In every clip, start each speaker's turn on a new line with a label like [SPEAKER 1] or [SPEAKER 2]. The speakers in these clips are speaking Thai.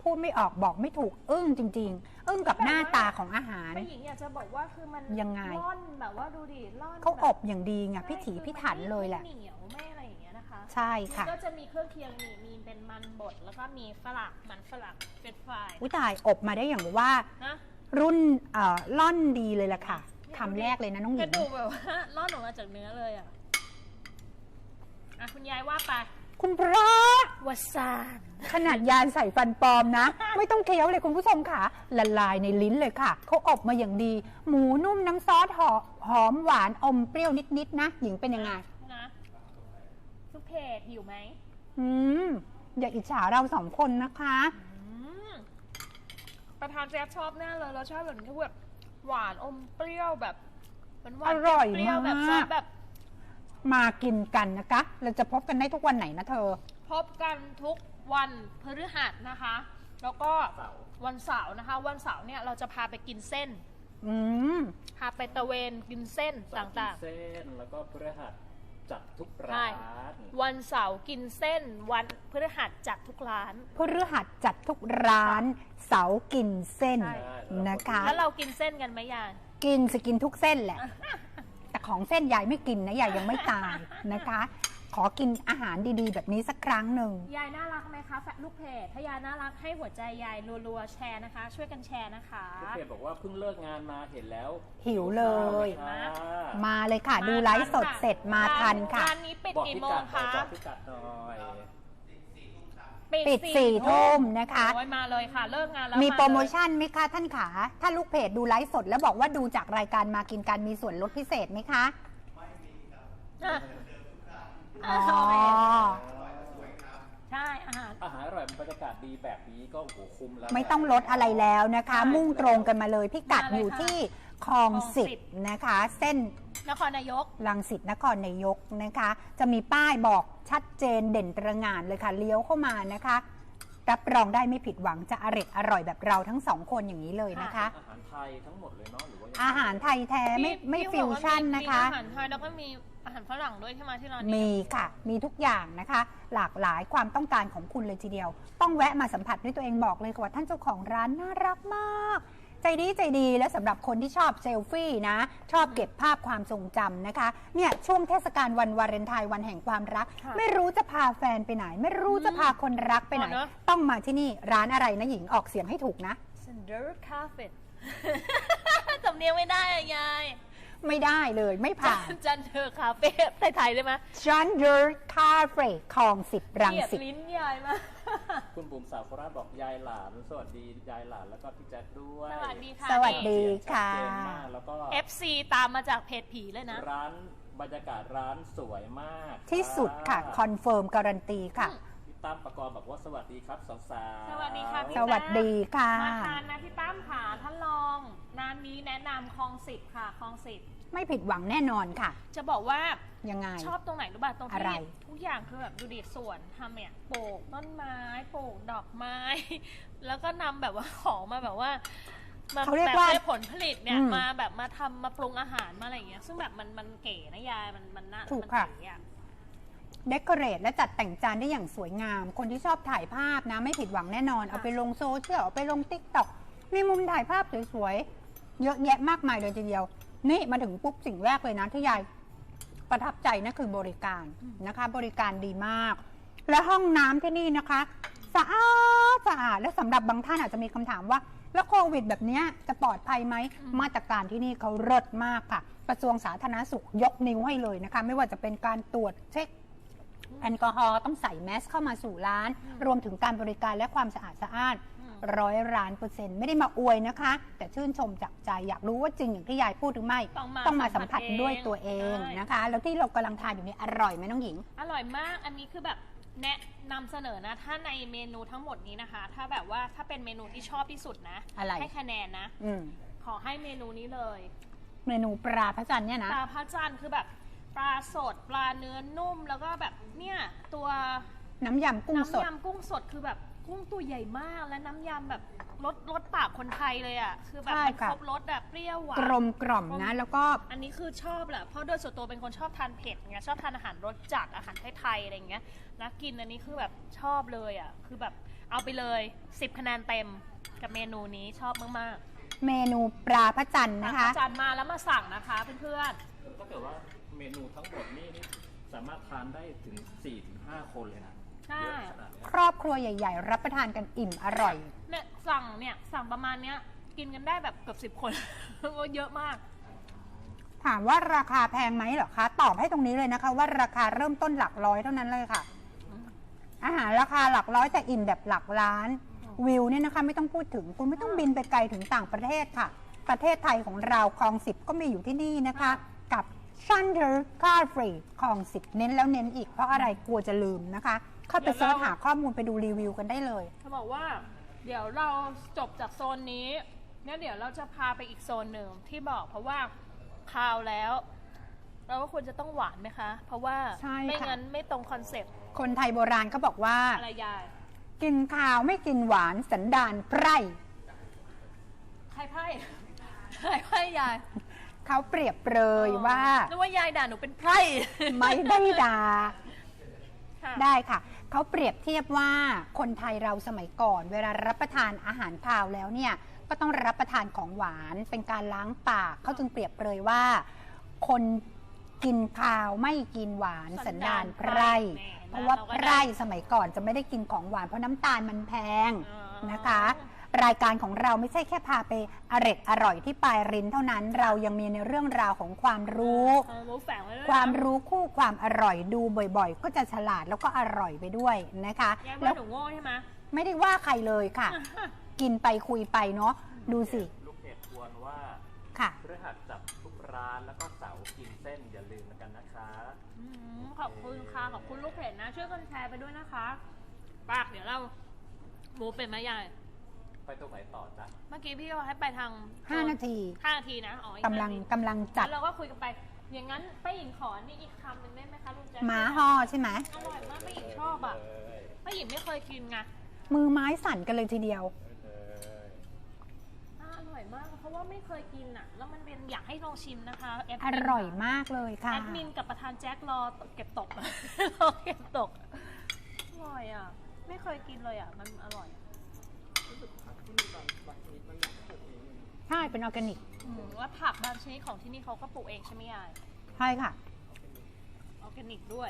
[SPEAKER 1] พูดไม่ออกบอกไม่ถูกอึ้งจริงๆอึ้งกับหน้าตาของอาหาร
[SPEAKER 2] ป้าหญิงอยากจะบอกว่าคือมัน
[SPEAKER 1] ยังไง
[SPEAKER 2] ร่อนแบบว่าดูดิร่อน
[SPEAKER 1] เขาอบอย่างดีไงพิถีพิถันเลยแหละ
[SPEAKER 2] ไม่เหนียวไม่อะไรอย่างเงี้ยนะคะ
[SPEAKER 1] ใช่ค่ะ
[SPEAKER 2] ก็จะมีเครื่องเคียงมีเป็นมันบดแล้วก็มีฝรั่งมันฝรั่งเป็นฟราย
[SPEAKER 1] อุ้ยตายอบมาได้อย่างว่า
[SPEAKER 2] นะ
[SPEAKER 1] รุ่นล่อนดีเลยล่ะค่ะคำแรกเลยนะน้องหญิง
[SPEAKER 2] กระดูกแบบว่าร่อนออกมาจากเนื้อเลยอ่ะคุณยายว่าไป
[SPEAKER 1] คุณพระ
[SPEAKER 2] วสาน
[SPEAKER 1] ขนาดยานใส่ฟันปลอมนะ ไม่ต้องเคี้ยวเลยคุณผู้ชมค่ะละลายในลิ้นเลยค่ะเขาอบมาอย่างดีหมูนุ่มน้ำซอสหอมหวานอมเปรี้ยวนิดๆนะหญิงเป็นยังไง
[SPEAKER 2] นะทุกเพจหิวไหม
[SPEAKER 1] อย่าอิจฉาเราสองคนนะคะ
[SPEAKER 2] ประธานแจ๊บชอบแน่เลยเราชอบแบบนี้แบบหวานอมเปรี้ยวแบบหวาน
[SPEAKER 1] อร่อยมาก
[SPEAKER 2] แบบ
[SPEAKER 1] มากินกันนะคะเราจะพบกันได้ทุกวันไหนนะเธอ
[SPEAKER 2] พบกันทุกวันพฤหัสนะคะแล้วก็วันเสาร์นะคะวันเสาร์เนี่ยเราจะพาไปกินเส้นพาไปตะเวนกินเส้นต่าง
[SPEAKER 3] ๆเส้นแล้วก็พฤหัสจัดทุกร้าน
[SPEAKER 2] วันเสาร์กินเส้นวันพฤหัสจัดทุกร้าน
[SPEAKER 1] พฤหัสจัดทุกร้านเสาร์กินเส้นนะคะ
[SPEAKER 2] แล้วเรากินเส้นกันไหมยาย
[SPEAKER 1] กินจะกินทุกเส้นแหละแต่ของเส้นยายไม่กินนะยายยังไม่ตายนะคะขอกินอาหารดีๆแบบนี้สักครั้งหนึ่ง
[SPEAKER 2] ยายน่ารักไหมคะลูกเพจถ้ายายน่ารักให้หัวใจยายรัวๆแชร์นะคะช่วยกันแชร์นะคะ
[SPEAKER 3] ลูกเพจบอกว่าเพิ่งเลิกงานมาเห็นแล้ว
[SPEAKER 1] หิวเลยมาเลยค่ะดูไลฟ์สดเสร็จมาทันค่ะ
[SPEAKER 2] ร้านนี้ปิดกี่โมงคะ
[SPEAKER 3] บอกพิกัดหน่อย
[SPEAKER 1] ปิด4 ทุ่มนะคะ
[SPEAKER 2] มาเลยค่ะเลิกงานแล้ว
[SPEAKER 1] มีโปรโมชั่นไหมคะท่านขาถ้าลูกเพจดูไลฟ์สดแล้วบอกว่าดูจากรายการมากินกันมีส่วนลดพิเศษไหมคะไม่มีครับ
[SPEAKER 2] ใช่อาหาร
[SPEAKER 3] อร่อยบรรยากาศดีแบบนี้ก็โอ้โหคุ้มแล้ว
[SPEAKER 1] ไม่ต้องลดอะไรแล้วนะคะมุ่งตรงกันมาเลยพิกัดอยู่ที่คลอง10นะคะเส้น
[SPEAKER 2] นครนายก
[SPEAKER 1] รังสิตนครนายกนะคะจะมีป้ายบอกชัดเจนเด่นตระหง่านเลยค่ะเลี้ยวเข้ามานะคะรับรองได้ไม่ผิดหวังจะอร่อยแบบเราทั้งสองคนอย่างนี้เลยนะคะ
[SPEAKER 3] อาหารไทยทั้งหมดเลยเนาะหรือว่า
[SPEAKER 1] อาหารไทยแท้ไม่ฟิวชั่นนะคะ
[SPEAKER 2] อาหารไทยแล้วก็มีอาหารฝรั่งด้วยใช่ไหมที่ร้านนี้
[SPEAKER 1] มีค่ะมีทุกอย่างนะคะหลากหลายความต้องการของคุณเลยทีเดียวต้องแวะมาสัมผัสด้วยตัวเองบอกเลยว่าท่านเจ้าของร้านน่ารักมากใจดีและสำหรับคนที่ชอบเซลฟี่นะชอบเก็บภาพความทรงจำนะคะเนี่ยช่วงเทศกาลวันวาเลนไทน์วันแห่งความรักไม่รู้จะพาแฟนไปไหนไม่รู้จะพาคนรักไปไหนต้องมาที่นี่ร้านอะไรนะหญิงออกเสียงให้ถูกนะ
[SPEAKER 2] Sender Cafe สำเนียงไม่ได้ยาย
[SPEAKER 1] ไม่ได้เลยไม่ผ่าน
[SPEAKER 2] จันเดอร์คาเฟ่ไทยได้ไหม
[SPEAKER 1] จันเดอร์คาเฟ่คลอง10รังสิต
[SPEAKER 2] ลิ้นยายมา
[SPEAKER 3] คุณบุ๋มสาวโคราชบอกยายหลานสวัสดียายหลานแล้วก็พี่แจ๊คด้วย
[SPEAKER 2] สวัสดีค่ะ
[SPEAKER 1] สวัสดีค่ะ
[SPEAKER 3] แล้วก็
[SPEAKER 2] FC ตามมาจากเพจผีเลยนะ
[SPEAKER 3] ร้านบรรยากาศร้านสวยมาก
[SPEAKER 1] ที่สุดค่ะคอนเฟิร์มการันตีค่ะ
[SPEAKER 3] พี่ตั้มประกอบบอกว่าสวัสดีครับสาว
[SPEAKER 2] ๆสวัสดีค่ะ
[SPEAKER 1] สวัสดีค่ะ
[SPEAKER 2] มาทานนะพี่ตั้มค่ะท่านลองร้านนี้แนะนำคลอง10ค่ะคลอง10
[SPEAKER 1] ไม่ผิดหวังแน่นอนค่ะ
[SPEAKER 2] จะบอกว่า
[SPEAKER 1] ยังไง
[SPEAKER 2] ชอบตรงไหนรู้ป่ะตรงที่ทุกอย่างคือแบบดูดิสวนทำเนี่ยปลูกต้นไม้ปลูกดอกไม้แล้วก็นำแบบว่าของมาแบบว่า
[SPEAKER 1] เขาเรียกว่า
[SPEAKER 2] ผลผลิตเนี่ยมาแบบมาทำมาปรุงอาหารมาอะไรอย่างเงี้ยซึ่งแบบมันเก๋นะยายมันน่า
[SPEAKER 1] ถูกค่ะเดคอเรทและจัดแต่งจานได้อย่างสวยงามคนที่ชอบถ่ายภาพนะไม่ผิดหวังแน่นอนเอาไปลงโซเชียลเอาไปลงติ๊กต็อกมีมุมถ่ายภาพสวยๆเยอะแยะมากมายเลยทีเดียวนี่มาถึงปุ๊บสิ่งแรกเลยนะที่ยายประทับใจนั่นคือบริการนะคะบริการดีมากและห้องน้ำที่นี่นะคะสะอาดและสำหรับบางท่านอาจจะมีคำถามว่าแล้วโควิดแบบนี้จะปลอดภัยไหมมาตรการที่นี่เขาเลิศมากค่ะกระทรวงสาธารณสุขยกนิ้วให้เลยนะคะไม่ว่าจะเป็นการตรวจเช็คแอลกอฮอล์ต้องใส่แมสเข้ามาสู่ร้านรวมถึงการบริการและความสะอาด100%ไม่ได้มาอวยนะคะแต่ชื่นชมจากใจอยากรู้ว่าจริงอย่างที่ยายพูดหรือไม่ต้องมาสัมผัสด้วยตัวเองนะคะแล้วที่เรากำลังทานอยู่นี่อร่อยไหมน้องหญิง
[SPEAKER 2] อร่อยมากอันนี้คือแบบแนะนำเสนอนะถ้าในเมนูทั้งหมดนี้นะคะถ้าแบบว่าถ้าเป็นเมนูที่ชอบที่สุดนะให้คะแนนนะขอให้เมนูนี้เลย
[SPEAKER 1] เมนูปลาพระจันทร์เนี่ยนะ
[SPEAKER 2] ปลาพระจันทร์คือแบบปลาสดปลาเนื้อนุ่มแล้วก็แบบเนี่ยตัว
[SPEAKER 1] น้ำยำกุ้งสด
[SPEAKER 2] คือแบบกุ้งตัวใหญ่มากและน้ำยำแบบรสปากคนไทยเลยอ่ะคือแบบ
[SPEAKER 1] ใช่
[SPEAKER 2] มัน
[SPEAKER 1] ค่ะ
[SPEAKER 2] ครบรสแบบเปรี้ยวหวาน
[SPEAKER 1] กลมกล่อมนะ แล้วก็
[SPEAKER 2] อันนี้คือชอบแหละเพราะโดยส่วนตัวเป็นคนชอบทานเผ็ดไงชอบทานอาหารรสจัดอาหารไทยๆอะไรอย่างเงี้ยนะกินอันนี้คือแบบชอบเลยอ่ะคือแบบเอาไปเลย10 คะแนนเต็มกับเมนูนี้ชอบมาก
[SPEAKER 1] เมนูปลาพระจันทร์
[SPEAKER 2] ๆ
[SPEAKER 1] นะคะ
[SPEAKER 2] จานมาแล้วมาสั่งนะคะเพื่อน
[SPEAKER 3] ถ้าเกิดว่าเมนูทั้งหมดนี่สามารถทานได้ถึง 4-5 คนเลยนะ
[SPEAKER 2] ๆใช่
[SPEAKER 3] เยอะขนาดเนี้ย
[SPEAKER 1] ครอบครัวใหญ่ ๆ รับประทานกันอิ่มอร่อย
[SPEAKER 2] เนี่ยสั่งประมาณเนี้ยกินกันได้แบบเกือบ10 คน เยอะมาก
[SPEAKER 1] ถามว่าราคาแพงไหมเหรอคะ ตอบให้ตรงนี้เลยนะคะ ว่าราคาเริ่มต้นหลักร้อยเท่านั้นเลยค่ะ อาหารราคาหลักร้อยแต่อิ่มแบบหลักล้าน วิวเนี่ยนะคะไม่ต้องพูดถึงคุณไม่ต้องบินไปไกลถึงต่างประเทศค่ะ ประเทศไทยของเราคลอง 10 ก็มีอยู่ที่นี่นะคะ กับ Thunder Car Free คลอง 10 เน้นแล้วเน้นอีกเพราะอะไรกลัวจะลืมนะคะ เข้าไปเสิร์ชหาข้อมูลไปดูรีวิวกันได้เลย
[SPEAKER 2] เขาบอกว่าเดี๋ยวเราจบจากโซนนี้เนี่ยเดี๋ยวเราจะพาไปอีกโซนหนึ่งที่บอกเพราะว่าคาวแล้ว เราก็ควรจะต้องหวานไหมคะ เพราะว่า
[SPEAKER 1] ใช่
[SPEAKER 2] ไม่
[SPEAKER 1] ค่ะ
[SPEAKER 2] งั้นไม่ตรงคอนเซ็ปต์
[SPEAKER 1] คนไทยโบราณเขาบอกว่า
[SPEAKER 2] อะไรยาย
[SPEAKER 1] กินข้าวไม่กินหวานสันดานไพร่
[SPEAKER 2] ใครไพ่ ใครไพ่ยาย
[SPEAKER 1] เขาเปรียบเปรยว่า
[SPEAKER 2] นึกว่ายายด่าหนูเป็นไพร่
[SPEAKER 1] ไม่ได้ด่า
[SPEAKER 2] ค่ะ
[SPEAKER 1] ได้ค่ะ เขาเปรียบเทียบว่าคนไทยเราสมัยก่อน เวลารับประทานอาหารคาวแล้วเนี่ยก็ต้องรับประทานของหวานเป็นการล้างปากเขาจึงเปรียบเปรยว่า คนกินคาวไม่กินหวานสันดานไพร่ เพราะว่าไพร่สมัยก่อนจะไม่ได้กินของหวานเพราะน้ำตาลมันแพงนะคะ รายการของเราไม่ใช่แค่พาไปอร่อยที่ปลายริ้นเท่านั้น เรายังมีในเรื่องราวของความรู้
[SPEAKER 2] รู้แฝงไว้ด้วยนะ
[SPEAKER 1] ความรู้คู่ความอร่อยดูบ่อยๆ ก็จะฉลาดแล้วก็อร่อยไปด้วยนะคะ
[SPEAKER 2] ยาย
[SPEAKER 1] แล้
[SPEAKER 2] ว่าว หนูโง่ใช่ไหม
[SPEAKER 1] ไม่ได้ว่าใครเลยค่ะ กินไปคุยไปเนาะดูสิ
[SPEAKER 3] ลูกเพจทวนว่า
[SPEAKER 1] ค่ะ
[SPEAKER 3] พฤหัสจับทุกร้านแล้วก็เสาร์กินเส้นอย่าลืมกันนะคะ
[SPEAKER 2] ขอบคุณค่ะขอบคุณลูกเพจนะช่วยกันแชร์ไปด้วยนะคะปากเดี๋ยวเราหมูเป็นไหมยาย
[SPEAKER 3] ไปตรงไหนต่อจ๊ะ
[SPEAKER 2] เมื่อกี้พี่ก็ให้ไปทาง
[SPEAKER 1] 5 นาที
[SPEAKER 2] 5 นาทีนะอ๋ออี
[SPEAKER 1] กำลัง
[SPEAKER 2] 5นาที
[SPEAKER 1] กำลังจัด
[SPEAKER 2] แล้วเราก็คุยกันไป อย่างนั้นป้าหญิงขอนี่อีกคำหนึ่งได้ไหมคะลุงแจ๊ค
[SPEAKER 1] ม้าห่อใช่ไหม
[SPEAKER 2] อร่อยมากป้าหญิงชอบอ่ะป้าหญิงไม่เคยกินไง
[SPEAKER 1] มือไม้สั่นกันเลยทีเดียว
[SPEAKER 2] อร่อยมากเพราะว่าไม่เคยกินอ่ะ แล้วมันเป็นอยากให้ลองชิมนะคะแด
[SPEAKER 1] อ
[SPEAKER 2] มิน
[SPEAKER 1] ร่อยมากเลยค่ะ
[SPEAKER 2] แอดมินกับประธานแจ็ครอเก็บตก รอเก็บตกอร่อยอ่ะ ไม่เคยกินเลยอ่ะ มันอร่อย
[SPEAKER 1] ใช่เป็นออร์แกนิก
[SPEAKER 2] แล้วผักบางชนิดของที่นี่เขาก็ปลูกเองใช่ไหมยาย
[SPEAKER 1] ใช่ค่ะ
[SPEAKER 2] ออร์แกนิกด้วย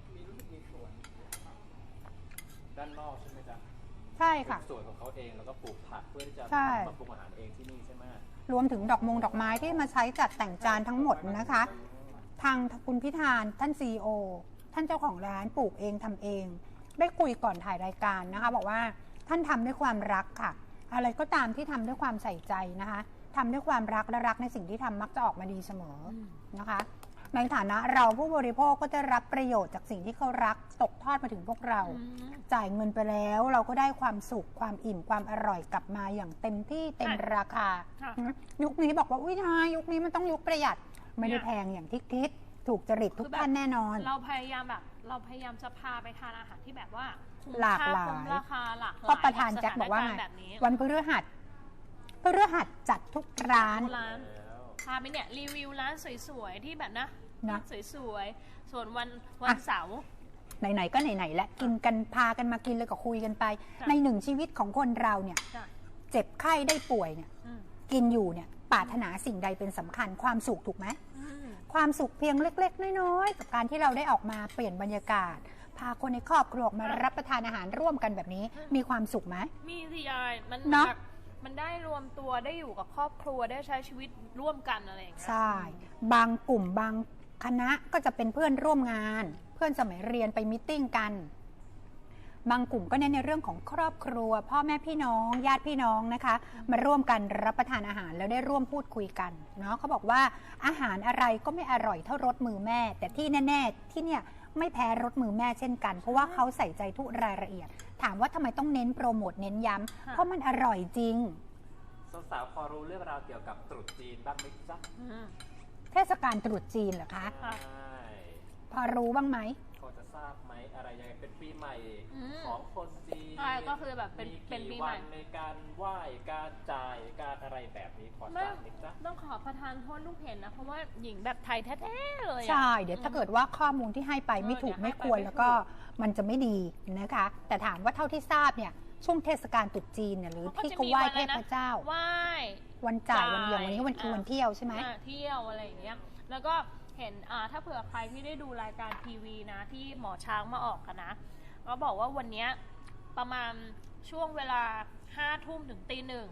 [SPEAKER 3] ด้านนอกใช่ไหมจ๊ะ
[SPEAKER 1] ใช่ค่ะ
[SPEAKER 3] เป็นสวนของเขาเองแล้วก็ปลูกผักเพื่อที่จะ
[SPEAKER 1] ใช่
[SPEAKER 3] มาปรุงอาหารเองที่นี่ใช่ไหม
[SPEAKER 1] รวมถึงดอกไม้ที่มาใช้จัดแต่งจานทั้งหมดนะคะ ทางคุณพิธานท่าน CEO ท่านเจ้าของร้านปลูกเองทำเอง ได้คุยก่อนถ่ายรายการนะคะ บอกว่าท่านทำด้วยความรักค่ะ อะไรก็ตามที่ทำด้วยความใส่ใจนะคะทำด้วยความรักและรักในสิ่งที่ทำมักจะออกมาดีเสมอนะคะ ในฐานะเราผู้บริโภคก็จะรับประโยชน์จากสิ่งที่เขารักตกทอดมาถึงพวกเรา จ่ายเงินไปแล้วเราก็ได้ความสุขความอิ่มความอร่อยกลับมาอย่างเต็มที่เต็มราคา
[SPEAKER 2] ค่ะ
[SPEAKER 1] ยุคนี้บอกว่าอุ้ยทายยุคนี้มันต้องยุคประหยัดไม่ได้แพงอย่างที่คิดถูกจริตทุกท่านแน่นอน
[SPEAKER 2] เราพยายามจะพาไปทานอาหารที่แบบว่าคุ้ม
[SPEAKER 1] หลาก
[SPEAKER 2] ค่
[SPEAKER 1] หลาย
[SPEAKER 2] คุ้มราคาหลากหลาย
[SPEAKER 1] ก็ประธานแจ็คบอกว่า
[SPEAKER 2] สถ
[SPEAKER 1] ไง
[SPEAKER 2] นรณ์แบบนี้
[SPEAKER 1] วันพฤหัสจัดทุกร้าน
[SPEAKER 2] ร้านพาไปเนี่ยรีวิวร้านสวยๆที่แบบนะ
[SPEAKER 1] นะ
[SPEAKER 2] สวยๆส่วนวันเสาร์
[SPEAKER 1] ไหนๆก็ไหนๆและกินกันพากันมากินเลยก็คุยกันไป
[SPEAKER 2] จ้ะ
[SPEAKER 1] ในหนึ่งชีวิตของคนเราเนี่ย
[SPEAKER 2] จ้ะ
[SPEAKER 1] เจ็บไข้ได้ป่วยเนี่ย
[SPEAKER 2] อืม
[SPEAKER 1] กินอยู่เนี่ยปรารถนาสิ่งใดเป็นสำคัญความสุขถูกไหม
[SPEAKER 2] อืม
[SPEAKER 1] ความสุขเพียงเล็กๆ น้อยๆ กับการที่เราได้ออกมาเปลี่ยนบรรยากาศ พาคนในครอบครัวออกมารับประทานอาหารร่วมกันแบบนี้ มีความสุขไหม
[SPEAKER 2] มีสิยายมัน
[SPEAKER 1] เนอะ
[SPEAKER 2] แบบมันได้รวมตัวได้อยู่กับครอบครัวได้ใช้ชีวิตร่วมกันอะไรอย่างเงี้ย
[SPEAKER 1] ใช่ บางกลุ่มบางคณะก็จะเป็นเพื่อนร่วมงาน เพื่อนสมัยเรียนไปมิทติ้งกัน บางกลุ่มก็เน้นในเรื่องของครอบครัว พ่อแม่พี่น้องญาติพี่น้องนะคะ มาร่วมกันรับประทานอาหารแล้วได้ร่วมพูดคุยกันเนาะเขาบอกว่าอาหารอะไรก็ไม่อร่อยเท่ารสมือแม่ แต่ที่แน่ๆที่เนี่ยไม่แพ้รสมือแม่เช่นกัน เพราะว่าเขาใส่ใจทุกรายละเอียด ถามว่าทำไมต้องเน้นโปรโมทเน้นย้ำเพราะมันอร่อยจริง
[SPEAKER 3] สาวๆพอรู้เรื่องราวเกี่ยวกับตรุษจีนบ้างไหมจ๊ะ
[SPEAKER 2] อืม
[SPEAKER 1] เทศกาลตรุษจีนเหรอคะ
[SPEAKER 2] ค่ะ
[SPEAKER 3] ใช่
[SPEAKER 1] พอรู้บ้างไหม
[SPEAKER 3] พอจะททราบไหมอะไรยังไงเป็นปีใหม่
[SPEAKER 2] อืม
[SPEAKER 3] ของคนจีน
[SPEAKER 2] ใช่ก็คือแบบเป็นปีใหม่
[SPEAKER 3] กี่วันในการไหว้การจ่ายการอะไรแบบนี้ขอท
[SPEAKER 2] ไม่
[SPEAKER 3] ราบนิดจ้ะ
[SPEAKER 2] ต้องขอประทานโทษลูกเห็นนะเพราะว่าหญิงแบบไทยแท้ๆเลยอะ
[SPEAKER 1] ใช่เดี๋ยวถ้าเกิดว่าข้อมูลที่ให้ไปไม่ถูก
[SPEAKER 2] เดี๋ยวให้
[SPEAKER 1] ไม่ควร
[SPEAKER 2] ไปไม่
[SPEAKER 1] แล้วก็มันจะไม่ดีนะคะ แต่ถามว่าเท่าที่ทราบเนี่ยช่วงเทศกาลตรุษจีนเนี่ยหรือที่เขาไหว้เทพเจ้า
[SPEAKER 2] ไหว้
[SPEAKER 1] วันจ่ายวันอย่างวันนี้วันคือวันเที่ยวใช่ไหม
[SPEAKER 2] เที่ยวอะไรอย่างเงี้ยแล้วก็เห็นถ้าเผื่อใครที่ได้ดูรายการทีวีนะที่หมอช้างมาออกกันนะก็บอกว่าวันเนี้ยประมาณช่วงเวลา5 ทุ่มถึงตี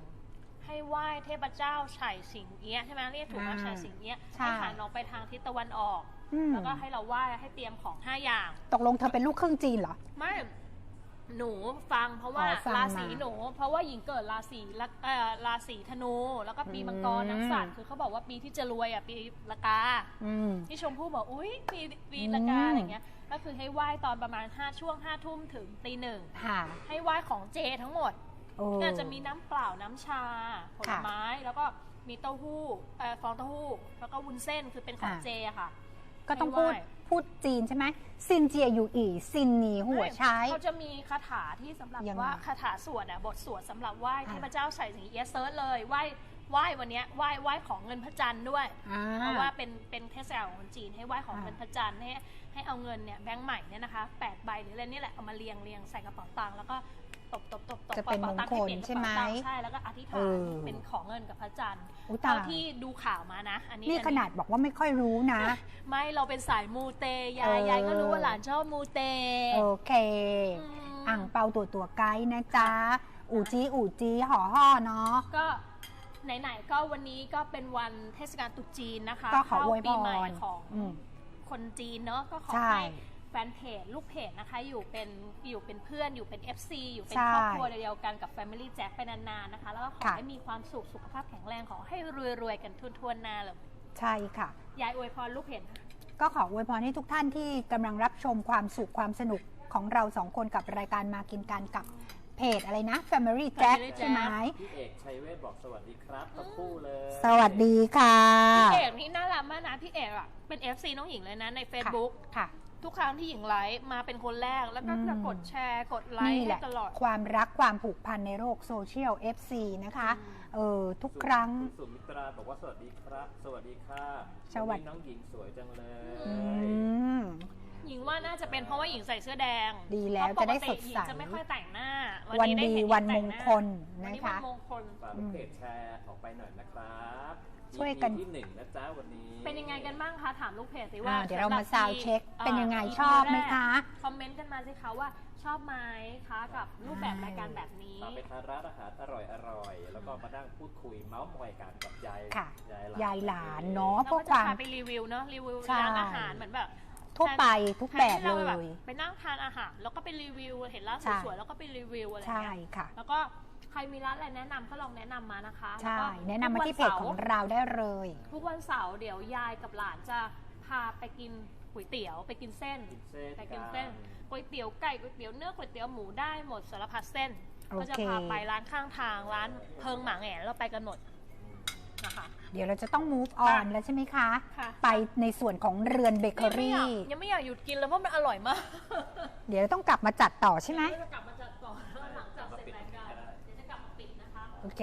[SPEAKER 2] 1ให้ไหว้เทพเจ้าไฉสิงเอี้ยะใช่ไหมเรียกถูกไหมไฉสิงเอี้ยะ
[SPEAKER 1] ใช่
[SPEAKER 2] ให้หันออกไปทางทิศตะวันออก
[SPEAKER 1] อืม
[SPEAKER 2] แล้วก็ให้เราไหว้ให้เตรียมของ5 อย่าง
[SPEAKER 1] ตกลงเธอเป็นลูกครึ่งจีนเหรอ
[SPEAKER 2] ไม่หนูฟังเพราะว่า
[SPEAKER 1] ฟัง
[SPEAKER 2] ราศี
[SPEAKER 1] มา
[SPEAKER 2] หนู เพราะว่าหญิงเกิดราศีธนู แล้วก็ปีมังกรนักสัตว์คือเขาบอกว่าปีที่จะรวยอ่ะปีละกา
[SPEAKER 1] อืม
[SPEAKER 2] ที่ชมพู่บอกอุ้ยปีละกาอะไรเงี้ยก็คือให้ไหว้ตอนประมาณช่วง5 ทุ่มถึงตี 1
[SPEAKER 1] ค่ะ
[SPEAKER 2] ให้ไหว้ของเจทั้งหมด
[SPEAKER 1] โอ้
[SPEAKER 2] น่าจะมีน้ำเปล่าน้ำชาผล
[SPEAKER 1] ค่ะ
[SPEAKER 2] ไม้แล้วก็มีเต้าหู้ฟองเต้าหู้แล้วก็วุ้นเส้นคือเป็นของ
[SPEAKER 1] อ่า
[SPEAKER 2] เจอะค่ะ
[SPEAKER 1] ก็ต้อง
[SPEAKER 2] ให้ไหว้
[SPEAKER 1] พูดจีนใช่ไหมซินเจียอยู่อีซินหนีหัวใช้
[SPEAKER 2] เขาจะมีคาถาที่สำหรับ
[SPEAKER 1] ยังไง
[SPEAKER 2] ว่าคาถาสวดบทสวดสำหรับไหว้
[SPEAKER 1] อ่า
[SPEAKER 2] เทพเจ้าไฉสิงเอี้ยะเซิร์ชเลยไหว้วันเนี้ยไหว้ของเงินพระจันทร์ด้วย
[SPEAKER 1] อ่า
[SPEAKER 2] เพราะว่าเป็นเทศกาลของคนจีนให้ไหว้ของเงินพระจันทร์ให้เอาเงินเนี่ยแบงค์ใหม่เนี่ยนะคะ8 ใบหรืออะไรนี่แหละเอามาเรียงใส่กระเป๋าตังค์แล้วก็ตบ
[SPEAKER 1] จะเป็น
[SPEAKER 2] กระป๋าตัง
[SPEAKER 1] มงคล
[SPEAKER 2] ให้เปลี่ยนกระ
[SPEAKER 1] ใช่ไหม
[SPEAKER 2] เป๋าตังค์ใช่แล้วก็อธิษฐา
[SPEAKER 1] เอน อ
[SPEAKER 2] เป็นของเงินกับพระจันทร์
[SPEAKER 1] อุ๊ยตาย
[SPEAKER 2] เท่าที่ดูข่าวมานะอันนี้
[SPEAKER 1] นี่ขนาดบอกว่าไม่ค่อยรู้นะ
[SPEAKER 2] ไม่เราเป็นสายมูเตยา
[SPEAKER 1] เออ
[SPEAKER 2] ยายก็รู้ว่าหลานชอบมูเต
[SPEAKER 1] โอเค
[SPEAKER 2] ม
[SPEAKER 1] อ่างเปาตัวไกด์นะจ๊ะ อูจีห่อห่อเนาะ
[SPEAKER 2] ก็ไหนๆก็วันนี้ก็เป็นวันเทศกาลตรุษจีนนะคะ
[SPEAKER 1] ก็ขออวยพ
[SPEAKER 2] ปีใหม่
[SPEAKER 1] ร
[SPEAKER 2] ของ
[SPEAKER 1] อืม
[SPEAKER 2] คนจีนเนาะก็ขอ
[SPEAKER 1] ใช่
[SPEAKER 2] ให้แฟนเพจลูกเพจนะคะอยู่เป็นเพื่อนอยู่เป็น FC อยู่เป็น
[SPEAKER 1] ใช่
[SPEAKER 2] ครอบครัวเดียวกันกับ Family Jack ไปนานๆนะคะ แล้วก็ขอ
[SPEAKER 1] ค่ะ
[SPEAKER 2] ให้มีความสุขสุขภาพแข็งแรงขอให้รวยๆกันทั่วๆหน้าเลย
[SPEAKER 1] ใช่ค่ะ
[SPEAKER 2] ยายอวยพรลูกเพจค่ะ
[SPEAKER 1] ก็ขออวยพรให้ทุกท่านที่กำลังรับชมความสุขความสนุกของเราสองคนกับรายการมากินกันกับเพจอะไรนะ Family Jack
[SPEAKER 2] Family
[SPEAKER 1] ใช่ไหม
[SPEAKER 3] พี่เอกชัยเวทบอกสวัสดีครับทั้งคู่เลย
[SPEAKER 1] สวัสดีค่ะ
[SPEAKER 2] พี่เอกนี่น่ารักมากนะพี่เอกอ่ะเป็น FC น้องหญิงเลยนะใน Facebook
[SPEAKER 1] ค่ะ
[SPEAKER 2] ทุกครั้งที่หญิงไลฟ์มาเป็นคนแรกแล้วก็จะกดแชร์กดไล
[SPEAKER 1] นี่
[SPEAKER 2] ค์
[SPEAKER 1] แห
[SPEAKER 2] ให้
[SPEAKER 1] ละ
[SPEAKER 2] ตลอด
[SPEAKER 1] ความรักความผูกพันในโลกโซเชียล FC นะคะ ทุกครั้ง
[SPEAKER 3] คุณสุมิตราบอกว่าสวัสดีครับ สวัสดีค่ะ
[SPEAKER 1] สวัสดี
[SPEAKER 3] นนี้น้องหญิงสวยจังเลย
[SPEAKER 1] อืม
[SPEAKER 2] หญิงว่าน่าจะเป็นเพราะว่าหญิงใส่เสื้อแดง
[SPEAKER 1] ดีแล้ว
[SPEAKER 2] เพรา
[SPEAKER 1] จะได้
[SPEAKER 2] ปกติ
[SPEAKER 1] สดใส
[SPEAKER 2] หญิงจะไม่ค่อยแต่งหน้า
[SPEAKER 1] วัน
[SPEAKER 2] นี้
[SPEAKER 1] ดี
[SPEAKER 2] ไเห็
[SPEAKER 1] วัน
[SPEAKER 2] หญิ
[SPEAKER 1] มง
[SPEAKER 2] แต่หา
[SPEAKER 1] คล
[SPEAKER 2] วัน
[SPEAKER 1] นะ
[SPEAKER 2] นี้วั
[SPEAKER 1] คะ
[SPEAKER 2] นมงคล
[SPEAKER 3] ฝากลูกเพจแชร์ออกไปหน่อยนะครับ
[SPEAKER 1] ช่วยกัน
[SPEAKER 3] EP ที่ 1นะจ๊ะวันนี้
[SPEAKER 2] เป็นยังไงกันบ้างคะถามลูกเพจสิว่า
[SPEAKER 1] เดี๋ยวเรามา
[SPEAKER 2] สำหบ
[SPEAKER 1] ซาวด์เช็ค เป็นยังไง
[SPEAKER 2] EP
[SPEAKER 1] ชอบไหมคะ
[SPEAKER 2] คอมเมนต์กันมาสิคะว่าชอบไหมคะกับรูปแบบรายการแบบนี้
[SPEAKER 3] ตามไปทานร้านอาหารอร่อยๆ แล้วก็มานั่งพูดคุยเมาส์มอยกันกับยาย
[SPEAKER 1] ค่ะ
[SPEAKER 3] ยาย
[SPEAKER 1] ยายหลานเนาะ
[SPEAKER 2] เรา
[SPEAKER 1] เพื่อ
[SPEAKER 2] ก็
[SPEAKER 1] ค
[SPEAKER 2] จะ
[SPEAKER 1] วาม
[SPEAKER 2] พาไปรีวิวเนาะรีวิว
[SPEAKER 1] ใช่
[SPEAKER 2] ร้านอาหารเหมือนแบบ
[SPEAKER 1] ทั่วไปทุกแบบ
[SPEAKER 2] ทนที่
[SPEAKER 1] เล
[SPEAKER 2] รา
[SPEAKER 1] ย
[SPEAKER 2] ไปนั่งทานอาหารแล้วก็ไปรีวิวเห็นร้าน
[SPEAKER 1] ใช่
[SPEAKER 2] สวยๆแล้วก็ไปรีวิวอะไร
[SPEAKER 1] ใช่
[SPEAKER 2] เงี้ย
[SPEAKER 1] ค่ะ
[SPEAKER 2] แล้วก็ใครมีร้านอะไรแนะนำก็ลองแนะนำมานะคะ
[SPEAKER 1] ใช่
[SPEAKER 2] ล้วก็
[SPEAKER 1] แนะนำมาที่เพจของเราได้เลย
[SPEAKER 2] ทุกวันเสาร์เดี๋ยวยายกับหลานจะพาไปกินก๋วยเตี๋ยวไปกินเส้น
[SPEAKER 3] กินเส้น
[SPEAKER 2] ไปกินเส้นก๋วยเตี๋ยวไก่ก๋วยเตี๋ยวเนื้อก๋วยเตี๋ยวหมูได้หมดสารพัดเส้น
[SPEAKER 1] โอเค
[SPEAKER 2] ก็จะพาไปร้านข้างทางร้านเพิงหมาแหง่เราไปกันหมดนะคะ
[SPEAKER 1] เดี๋ยวเราจะต้อง move on แล้วใช่ไหมคะ
[SPEAKER 2] ค่ะ
[SPEAKER 1] ไปในส่วนของเรือนเบเกอรี่
[SPEAKER 2] ยังไม่อยากหยุดกินแล้วเพราะมันอร่อยมาก
[SPEAKER 1] เดี๋ยวต้องกลับมาจัดต่อใช่ไหม
[SPEAKER 2] จะกลับมาจัดต่อแล้วหลังจากเสร็จรายการเดี๋ยวจะกลับมาปิดนะคะ
[SPEAKER 1] โอเค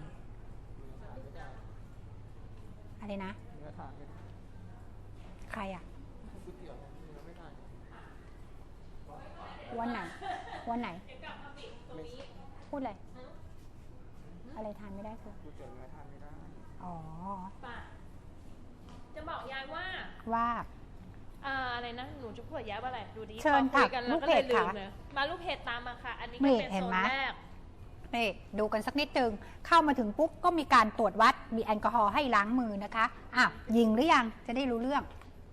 [SPEAKER 1] อะไรนะ ใครอ่ะ วันไหน วันไหน
[SPEAKER 2] เดี๋ยวกลับมาปิดตรงนี้
[SPEAKER 1] พูดอะไร อะไรทานไม่ได้คืออ๋อ
[SPEAKER 2] ป่ะจะบอกยายว่า
[SPEAKER 1] ว่า
[SPEAKER 2] อะไรนะ หนูจะพูดกับยายว่าอะไร ดูดิ
[SPEAKER 1] เชิญ
[SPEAKER 2] พอคุย
[SPEAKER 1] ค่ะ
[SPEAKER 2] กัน
[SPEAKER 1] ลู
[SPEAKER 2] แล้ว
[SPEAKER 1] ก
[SPEAKER 2] ก็
[SPEAKER 1] เพ
[SPEAKER 2] เล
[SPEAKER 1] จ
[SPEAKER 2] ยลืม
[SPEAKER 1] ค่ะ
[SPEAKER 2] เลยมาลูกเพจตามมาค่ะ อันนี้
[SPEAKER 1] นี่
[SPEAKER 2] ก็เป็น
[SPEAKER 1] เห็น
[SPEAKER 2] โซน
[SPEAKER 1] ไหม
[SPEAKER 2] แรก
[SPEAKER 1] นี่ดูกันสักนิดนึงเข้ามาถึงปุ๊บก็มีการตรวจวัดมีแอลกอฮอล์ให้ล้างมือนะคะอ่ะยิงหรือยังจะได้รู้เรื่อง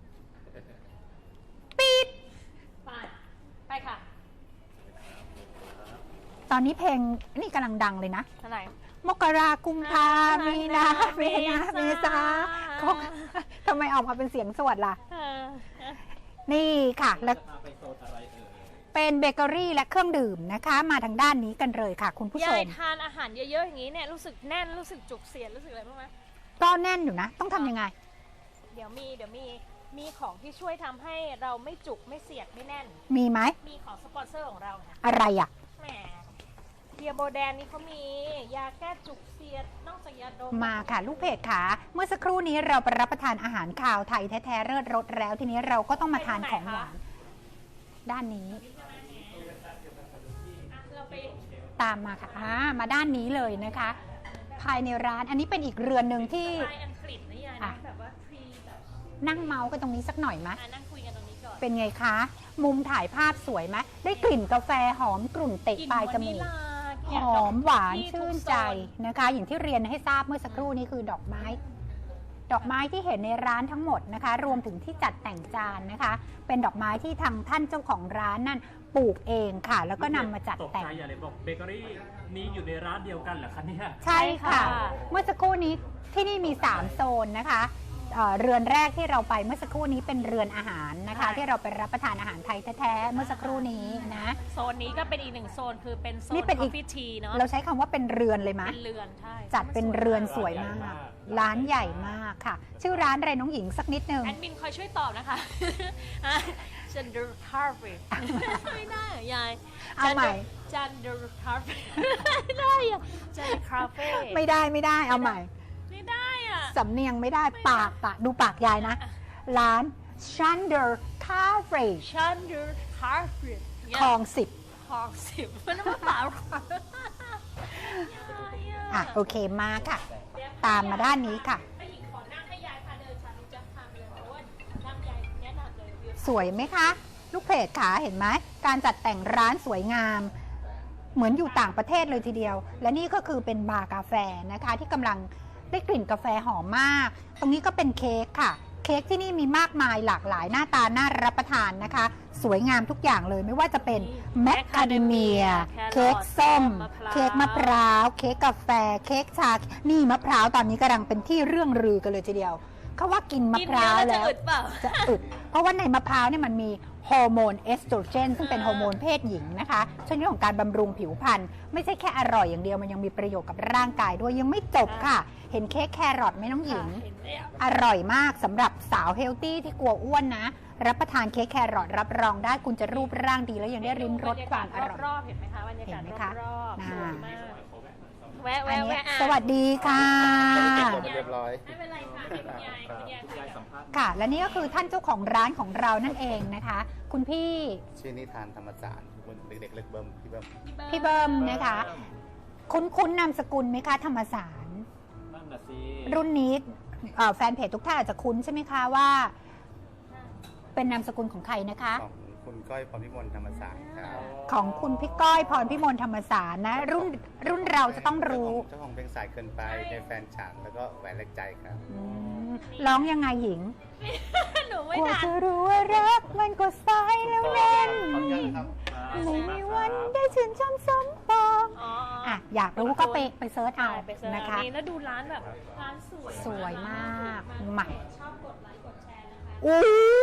[SPEAKER 1] ปี๊ด
[SPEAKER 2] ไป ไปค่ะ
[SPEAKER 1] ตอนนี้เพลงนี่กำลังดังเลยนะ
[SPEAKER 2] เท่าไหร่
[SPEAKER 1] มกรากุมภามีนาเมษาคงทำไมออกมาเป็นเสียงสวดล่ะ นี่ค่ะแล้ว
[SPEAKER 3] จะพาไปโซนอะไรเอ่ย
[SPEAKER 1] เป็นเบเกอรี่และเครื่องดื่มนะคะ มาทางด้านนี้กันเลยค่ะ คุณผู้ช
[SPEAKER 2] ยาย
[SPEAKER 1] ม
[SPEAKER 2] ทานอาหารเยอะๆอย่างนี้เนี่ยรู้สึกแน่นรู้สึกจุกเสียดรู้สึกอะไรบ้างไหม
[SPEAKER 1] ก็แน่นอยู่นะ ต้องทำยังไง
[SPEAKER 2] เดี๋ยวมีมีของที่ช่วยทำให้เราไม่จุกไม่เสียดไม่แน่น
[SPEAKER 1] มีไหม
[SPEAKER 2] มีของสปอนเซอร์ของเราค่ะ
[SPEAKER 1] อะไรอ่ะ
[SPEAKER 2] แหมเฮียโบแดนนี่เขามียาแก้จุกเสียดนอกจากยาดม
[SPEAKER 1] มาค่ะลูกเพจค่ะเมื่อสักครู่นี้เราไปรับประทานอาหารคาวไทยแท้ๆเลิศรสแล้วทีนี้เราก็ต้องมาทานของหวานด้านนี้
[SPEAKER 2] อ่ะเราไป
[SPEAKER 1] ตามมาค่ะมาด้านนี้เลยนะคะ ภายในร้านอันนี้เป็นอีกเรือนหนึ่งที่
[SPEAKER 2] สไตล์อังกฤษนะยาย
[SPEAKER 1] อ่ะ
[SPEAKER 2] นะแบบว่าทรีแบบ
[SPEAKER 1] นั่งเมาส์กันตรงนี้สักหน่อยไหม
[SPEAKER 2] นั่งคุยกันตรงนี้ก่อน
[SPEAKER 1] เป็นไงคะ มุมถ่ายภาพสวยไหมได้กลิ่นกาแฟหอมกลุ่นเตะปลายจมูก หอมหวานชื่นใจนะคะ อย่างที่เรียนให้ทราบเมื่อสักครู่นี้คือดอกไม้ ดอกไม้ที่เห็นในร้านทั้งหมดนะคะ รวมถึงที่จัดแต่งจานนะคะ เป็นดอกไม้ที่ทางท่านเจ้าของร้านนั่นปลูกเองค่ะ แล้วก็นำมาจัด
[SPEAKER 3] ตก
[SPEAKER 1] แต่ง
[SPEAKER 3] ใจอย่าเลยบอกเบเกอรี่นี้อยู่ในร้านเดียวกันเหรอคะเนี่ย
[SPEAKER 1] ใช่ค่ะ เมื่อสักครู่นี้ที่นี่มี 3 โซนนะคะเรือนแรกที่เราไปเมื่อสักครู่นี้เป็นเรือนอาหารนะคะ ที่เราไปรับประทานอาหารไทยแท้ๆเมื่อสักครู่นี้นะ
[SPEAKER 2] โซนนี้ก็เป็นอีกหนึ่งโซนคือเป็นโซน
[SPEAKER 1] นี่เป็นอีก
[SPEAKER 2] Coffee Tea เนาะ
[SPEAKER 1] เราใช้คำว่าเป็นเรือนเลยไหม
[SPEAKER 2] เป็นเรือนใช่
[SPEAKER 1] จัดเป็นเรือนสวยมาก ร้านใหญ่มากค่ะ ชื่อร้านอะไรน้องหญิงสักนิดนึง
[SPEAKER 2] แอดมินคอยช่วยตอบนะคะจันเดอร์คาเฟ่ไม่ได้อะยาย
[SPEAKER 1] เอาใหม่
[SPEAKER 2] จันเดอร์คาเฟ่ไม่ได้อะจันคาเฟ่
[SPEAKER 1] ไม่ได้เอาใหม่
[SPEAKER 2] ไม่ได้อะ
[SPEAKER 1] สำเนียงไม่ได้ปากดูปากยายนะ ร้าน Shander Cafe
[SPEAKER 2] จันเดอร์คาเฟ่
[SPEAKER 1] คลอง
[SPEAKER 2] คลองสิบมันไม่เปล่า
[SPEAKER 1] 10 โอเคมาค่ะ ตามมาด้านนี้ค่ะ
[SPEAKER 2] ให้หญิงขอนั่งให้ยายพาเดินชาลูกจะพาเดินเพราะว่านั่งยายแนะนำเลยวิว
[SPEAKER 1] สวยไหมคะ ลูกเพจขาเห็นไหมการจัดแต่งร้านสวยงาม เหมือนอยู่ต่างประเทศเลยทีเดียว และนี่ก็คือเป็นบาร์กาแฟนะคะ ที่กำลังได้กลิ่นกาแฟหอมมาก ตรงนี้ก็เป็นเค้กค่ะ เค้กที่นี่มีมากมายหลากหลายหน้าตาน่ารับประทานนะคะ สวยงามทุกอย่างเลยไม่ว่าจะเป็นแมคคาเดเมีย เค้กส้ม เค้กมะพร้าว เค้กกาแฟ เค้กชา นี่มะพร้าวตอนนี้กำลังเป็นที่เรื่องลือกันเลยทีเดียว เขาว่ากินมะพร้าวแล้ว
[SPEAKER 2] จะอึดเปล่า
[SPEAKER 1] จะอึด เพราะว่าในมะพร้าวเนี่ยมันมีฮอร์โมนเอสโตรเจนซึ่งเป็นฮอร์โมนเพศหญิงนะคะช่วยเรื่องของการบำรุงผิวพรรณไม่ใช่แค่อร่อยอย่างเดียวมันยังมีประโยชน์กับร่างกายด้วยยังไม่จบค่ะ เห็นเค้กแครอทไหมน้องหญิง
[SPEAKER 2] เห็นแล้ว
[SPEAKER 1] อร่อยมากสำหรับสาวเฮลตี้ที่กลัวอ้วนนะ รับประทานเค้กแครอทรับรองได้คุณจะรูปร่างดีแล้วยังได้ริมรสความอร่อย
[SPEAKER 2] รอบๆเห็นไหมคะบรรยากาศ
[SPEAKER 1] เห็นไหมคะ
[SPEAKER 2] รอบๆ
[SPEAKER 1] น่า
[SPEAKER 2] สวยมากแวะ
[SPEAKER 1] อัน
[SPEAKER 2] แวะ
[SPEAKER 1] นี้
[SPEAKER 2] แวะอ่ะ
[SPEAKER 1] สวัสดีค่ะ
[SPEAKER 4] เรียบร้อย
[SPEAKER 2] ไม่เป็นไรค่ะให้คุณยายคุณยาย
[SPEAKER 3] ยายสัมภาษณ์
[SPEAKER 1] ค่ะ และนี่ก็คือท่านเจ้าของร้านของเรานั่นเองนะคะ คุณพี่
[SPEAKER 4] ชื่อนิทานธรรมศาสตร์เด็กๆเล็กเบิ้มพี่เบิ้ม
[SPEAKER 1] พี่เบิ้มนะคะ คุ้นนามสกุลไหมคะธรรมสาร
[SPEAKER 3] นั่นน่ะสิ
[SPEAKER 1] รุ่นนี้แฟนเพจทุกท่านอาจจะคุ้นใช่ไหมคะว่า เป็นนามสกุลของใครนะคะ
[SPEAKER 4] ของคุณก้อยพรพิมลธรรมศาสตร์ครับ
[SPEAKER 1] ของคุณพี่ก้อยพรพิมลธรรมสารนะ รุ่นเราจะต้องรู้
[SPEAKER 4] เจ้าของเพลงสายเกินไปในแฟนฉันแล้วก็แหวนเล็กใจครับ
[SPEAKER 1] อืมร้องยังไงหญิง
[SPEAKER 2] หนูไม่
[SPEAKER 1] กว่า
[SPEAKER 2] ทัน
[SPEAKER 1] จะรู้ว่ารักมันก็สายแล้วเล่น
[SPEAKER 4] พร้อมยังครับ
[SPEAKER 1] ไม่มีวันได้ชื่นชมสมปอง
[SPEAKER 2] อ๋อ
[SPEAKER 1] อ่ะอยากรู้ก็ไปเซิร์ชเอา
[SPEAKER 2] ไปเสิร์ช
[SPEAKER 1] นะคะ
[SPEAKER 2] นี่แล้วดูร้านแบบร้านสวย
[SPEAKER 1] สวยมาก
[SPEAKER 2] ร้น
[SPEAKER 1] มา
[SPEAKER 2] ชอบกดไลค์กดแชร์นะคะ
[SPEAKER 1] อู้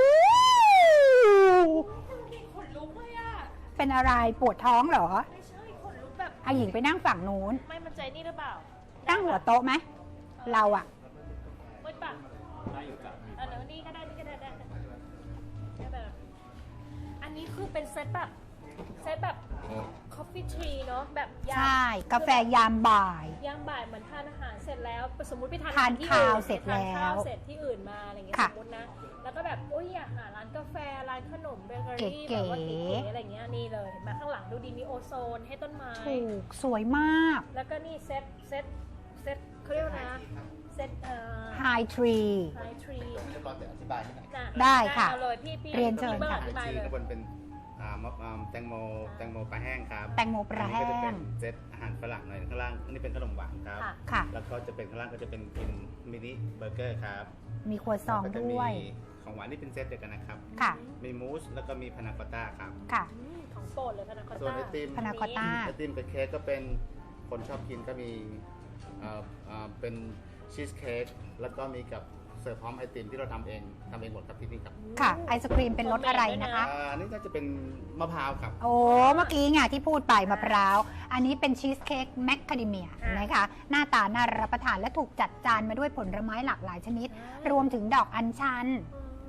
[SPEAKER 2] ขนลุกเลยอ่ะ
[SPEAKER 1] เป็นอะไรปวดท้องเหรอ
[SPEAKER 2] ไม่ใช่ขนลุกแบบ
[SPEAKER 1] อาหญิงไปนั่งฝั่งนู้น
[SPEAKER 2] ไม่มันใจนี่หรือเปล่า
[SPEAKER 1] นั่งหัวโต๊ะไหมเราอะ
[SPEAKER 2] มืดปะ
[SPEAKER 3] ได้อยู่จ้ะ
[SPEAKER 2] เดี๋ยวนี่ก็ได้นี่ก็ได้ได้แบบอันนี้คือเป็นเซตแบบ coffee tree เนอะแบบยาม
[SPEAKER 1] ใช่ กาแฟยามบ่าย
[SPEAKER 2] ยามบ่ายเหมือนทานอาหารเสร็จแล้วสมมุติไปทาน
[SPEAKER 1] ทาน
[SPEAKER 2] ที่
[SPEAKER 1] ข้าว
[SPEAKER 2] อื่น
[SPEAKER 1] เสร็จ
[SPEAKER 2] ไปทานข้าว
[SPEAKER 1] แล้ว
[SPEAKER 2] เสร็จที่อื่นมาอะไรอย่างเงี้ย
[SPEAKER 1] ค่ะ
[SPEAKER 2] สมมตินะแล้วก็แบบอุ้ยอยากหาร้านกาแฟร้านขนมเบเกอรี่
[SPEAKER 1] เก๋
[SPEAKER 2] แบบว่า
[SPEAKER 1] ๆ
[SPEAKER 2] เก๋ๆอะไรเงี้ยนี่เลยเห็นไหมข้างหลังดูดีมีโอโซนให้ต้นไม้
[SPEAKER 1] ถูกสวยมาก
[SPEAKER 2] แล้วก็นี่เซ็ตเขาเรียกว่านะเซ็ต
[SPEAKER 1] High Tree
[SPEAKER 2] ไฮทรี
[SPEAKER 4] เรียบร้อยแต่อธิบายให้หน่อย
[SPEAKER 1] ได้ค่ะ
[SPEAKER 2] เอาเลยพี่
[SPEAKER 1] เรียนเชิญ
[SPEAKER 2] พี่
[SPEAKER 1] ค่ะ
[SPEAKER 2] อธิบาย
[SPEAKER 4] ชื่
[SPEAKER 2] เล
[SPEAKER 4] อย ข้างบนเป็นแตงโมปลาแห้งครับ
[SPEAKER 1] แตงโมปลาแห้
[SPEAKER 4] อันนี้ก็จะเป็
[SPEAKER 1] ง
[SPEAKER 4] นเซตอาหารฝรั่งหน่อยข้างล่างอันนี้เป็นขนมหวานครับ
[SPEAKER 2] ค่ะ
[SPEAKER 1] ค่ะ
[SPEAKER 4] แล้วก็จะเป็นข้างล่างก็จะเป็นกินมินิเบอร์เกอร์ครับ
[SPEAKER 1] มีครัวซอง
[SPEAKER 4] แล้วก็จะ
[SPEAKER 1] ด้วย
[SPEAKER 4] มีของหวานนี่เป็นเซตเดียวกันนะครับ
[SPEAKER 1] ค่ะ
[SPEAKER 4] มีมูสแล้วก็มีพานาคอตต้าครับ
[SPEAKER 1] ค่ะ
[SPEAKER 2] ของโปรดเลยพานาคอต
[SPEAKER 4] ส่วน
[SPEAKER 2] ต้า
[SPEAKER 4] ไอติม
[SPEAKER 1] พานาคอตต้า
[SPEAKER 4] ไอติมกับเค้กก็เป็นคนชอบกินก็มีเป็นชีสเค้กแล้วก็มีกับเสิร์ฟพร้อมไอติมที่เราทำเองหมดครับที่นี่ครับ
[SPEAKER 1] ค่ะ ไอศครีมเป็นรสอะไรนะคะ
[SPEAKER 4] นี่น่าจะเป็นมะพร้าวครับ
[SPEAKER 1] โอ้เมื่อกี้ไงที่พูดไปมะพร้าว อันนี้เป็นชีสเค้กแมคคาเดเมียนะคะ หน้าตาน่ารับประทานและถูกจัดจานมาด้วยผลไม้หลากหลายชนิด รวมถึงดอกอัญชัน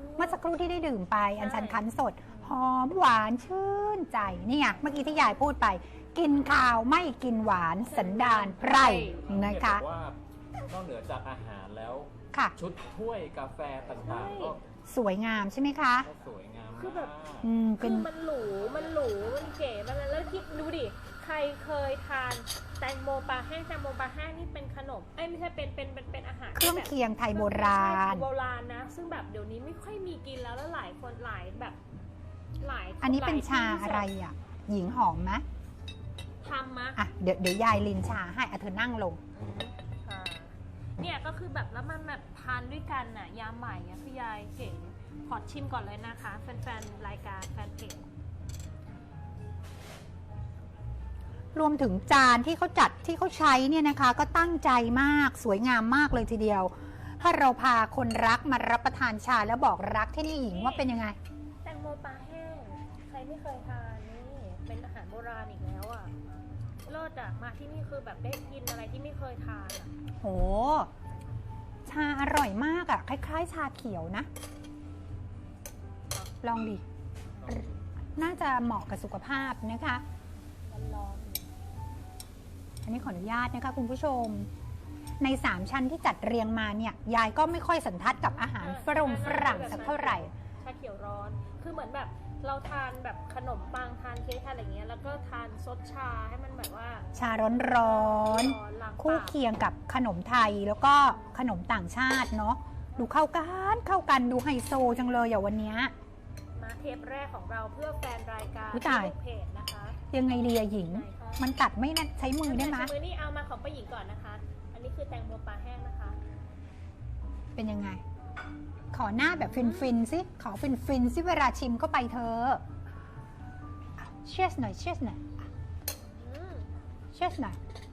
[SPEAKER 1] เมื่อสักครู่ที่ได้ดื่มไปอัญชันคั้นสดหอมหวานชื่นใจนี่ไงเมื่อกี้ที่ยายพูดไป กินข้าวไม่กินหวานสันดานไพร่นะคะ
[SPEAKER 3] เห็นบอกว่านอกเหนือจากอาหารแล้ว
[SPEAKER 1] ค่ะ
[SPEAKER 3] ชุดถ้วยกาแฟต่างๆ ก็
[SPEAKER 1] สวยงามใช่ไหมคะ
[SPEAKER 3] สวยงาม
[SPEAKER 2] คือแบบ
[SPEAKER 3] มาก
[SPEAKER 1] เป็
[SPEAKER 2] คื
[SPEAKER 1] น
[SPEAKER 2] อมันหรู มันเก๋มันแล้วคิดดูดิ ใครเคยทานแตงโมปลาแห้งนี่เป็นขนมไม่ใช่เป็นอาหาร
[SPEAKER 1] เครื่อง
[SPEAKER 2] แบบ
[SPEAKER 1] เคียงไทยโบราณ
[SPEAKER 2] ใช่โบราณนะ ซึ่งแบบเดี๋ยวนี้ไม่ค่อยมีกินแล้วหลายคนหลายแบบหลาย
[SPEAKER 1] อันนี้เป็น
[SPEAKER 2] หลย
[SPEAKER 1] ชา
[SPEAKER 2] ที่
[SPEAKER 1] อะไรอ่ะ หญิงหอมไหม
[SPEAKER 2] ทำมา
[SPEAKER 1] อ่ะเดี๋ยวยายลินชาให้เธอนั่งลง
[SPEAKER 2] ค่ะเนี่ยก็คือแบบแล้วมันแบบทานด้วยกันน่ะยามใหม่อ่ะคือยายเก่งขอชิมก่อนเลยนะคะแฟนๆรายการแฟนเพจ
[SPEAKER 1] รวมถึงจานที่เขาจัดที่เขาใช้เนี่ยนะคะ ก็ตั้งใจมากสวยงามมากเลยทีเดียว ถ้าเราพาคนรักมารับประทานชาแล้วบอกรักที่นี่หญิงว่าเป็นยังไง
[SPEAKER 2] แตงโมปลาแห้งใครไม่เคยทานนี่เป็นอาหารโบราณอีกแล้วอ่ะเลิศอ่ะมาที่นี่คือแบบได้กินอะไรที่ไม่เคยทานอ่ะ
[SPEAKER 1] โห ชาอร่อยมากอะ่ะ คล้ายๆ ชาเขียวนะ ลองดิ น่าจะเหมาะกับสุขภาพนะคะ
[SPEAKER 2] ร้อน
[SPEAKER 1] อันนี้ขออนุญาตนะคะคุณผู้ชม ใน 3 ชั้นที่จัดเรียงมาเนี่ย ยายก็ไม่ค่อยสันทัดกับอาหารฝรั่งสักเท่าไหร่
[SPEAKER 2] ชาเขียวร้อน คือเหมือนแบบเราทานแบบขนมปังทานเค้กทานอะไรเงี้ยแล้วก็ทานซดชาให้มันแบบว่า
[SPEAKER 1] ชาร้อน
[SPEAKER 2] ล้างปาก
[SPEAKER 1] คู่เคียงกับขนมไทยแล้วก็ขนมต่างชาติเนาะ ดูเข้ากันดูไฮโซจังเลยอย่างวันเนี้ย
[SPEAKER 2] มาเทปแรกของเราเพื่อแฟนรายการ
[SPEAKER 1] อุ๊ยตาย
[SPEAKER 2] ลูกเพจนะคะ
[SPEAKER 1] ยังไงดีอะหญิง
[SPEAKER 2] ไหนคะ
[SPEAKER 1] มันกัดไม่นะใช้มือได้ไหม
[SPEAKER 2] ใช้มือนี่เอามาของป้าหญิงก่อนนะคะ อันนี้คือแตงโมปลาแห้งนะคะ
[SPEAKER 1] เป็นยังไง ขอหน้าแบบฟินๆสิ ขอฟินๆสิเวลาชิมเข้าไปเธอเชียสหน่อย
[SPEAKER 2] อืม
[SPEAKER 1] เชียสหน่อย